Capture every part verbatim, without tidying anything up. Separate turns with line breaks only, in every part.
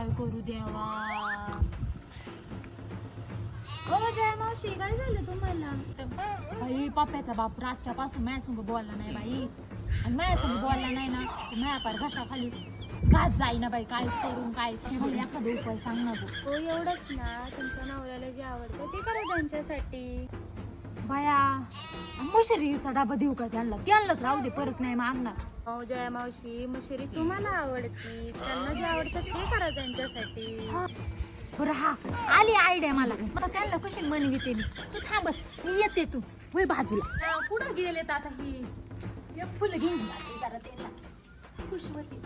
काय करू देवा. हो जय मावशी, काय झालं तुम्हाला? बाई पप्प्याचा बाप रातच्या पासून माझ्या संग बोलला नाही बाई, आणि माझ्या संग बोलला नाही ना तर माझ्या पार घशाखाली घास जाईना बाई. काय करून काय, मला एखादा उपाय सांग ना गो.
हो एवढंच ना, तुमच्या नवऱ्याला जे आवडतं ते करा त्यांच्यासाठी.
बाया मशरीचा डबा देऊ का त्यांना? त्यांनाच राहू दे, परत नाही मागणार.
हो जया मावशी, मशरी तुम्हाला आवडती, त्यांना जे आवडतं ते करा त्यांच्यासाठी.
बरं हा आली आयडिया मला. आता त्यांना कशी मनविते मी. तू थांबस, मी येते, तू होय बाजूला. कुठं गेलेत आता ही? एक फुलं घेऊन जाते जरा त्यांना खुश होते.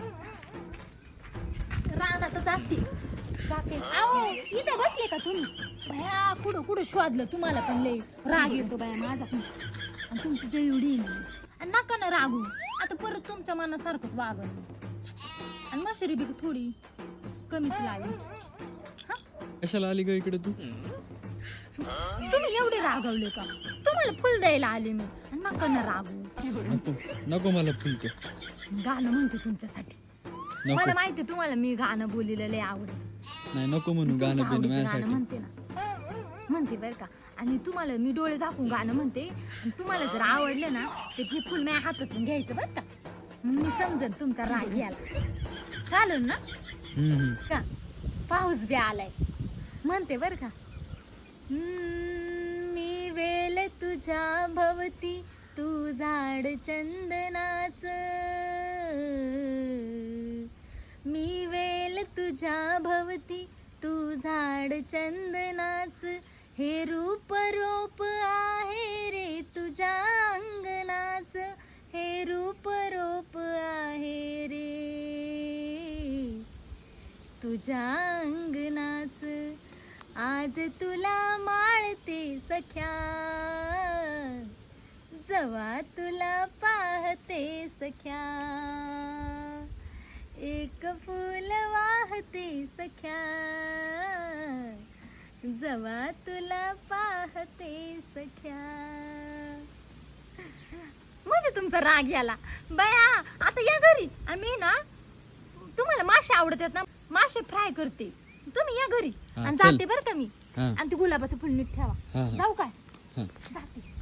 रानातच असते जाते. आओ इथे बसले का तुम्ही? भया कुठं कुठं शोधलं तुम्हाला, पण लय राग येतो बाया माझा. आणि तुमची जे एवढी आणि नका ना रागू. आता परत तुमच्या मनासारखंच वागल. आणि मशरी बी थोडी कमीच लावी.
कशाला आली ग इकडे तू?
तुम्ही एवढे रागवले का? तुम्हाला फुल द्यायला आले मी. आणि नका ना रागू.
नको नको मला फुलतो.
गाणं म्हणते तुमच्यासाठी. मला माहिती तुम्हाला मी गाणं बोललेलं लय आवडत.
नाही नको म्हणू गाणं
तुमच्या
बिणं
आवडीचं गाणं
माझ्यासाठी.
म्हणते ना, म्हणते बरं का. आणि तुम्हाला मी डोळे दाखवून गाणं म्हणते. आणि तुम्हाला जर आवडलं ना तर हे फुल माझ्या हातातून घ्यायचं बरं का. मग मी समजेन तुमचा राग घ्यायला. चालेल ना?
हम्म, हम्म.
का पाऊस बी आलाय म्हणते बर का. हम्म, मी वेल तुझ्या भवती, तू झाड चंदनाच. मी वेल तुझ्या भवती, तू झाड चंदनाच. हे रूप रोप आहे रे तुझ्या अंगणाच. हे रूप रोप आहे रे तुझ्या अंगणाच. आज तुला माळते सख्या, जवा तुला पाहते सख्या. एक फूल वाहते सख्या, जवा तुला पाहते सख्या. म्हणजे तुमचा राग याला बाया. आता या घरी. आणि मी ना तुम्हाला मासे आवडतात ना, मासे फ्राय करते. तुम्ही या घरी
हा,
आणि
चल.
जाते बरं का मी.
हा.
आणि ते गुलाबाचं फुल नीट ठेवा.
हा, हा.
जाऊ काय?
हा.
जाते.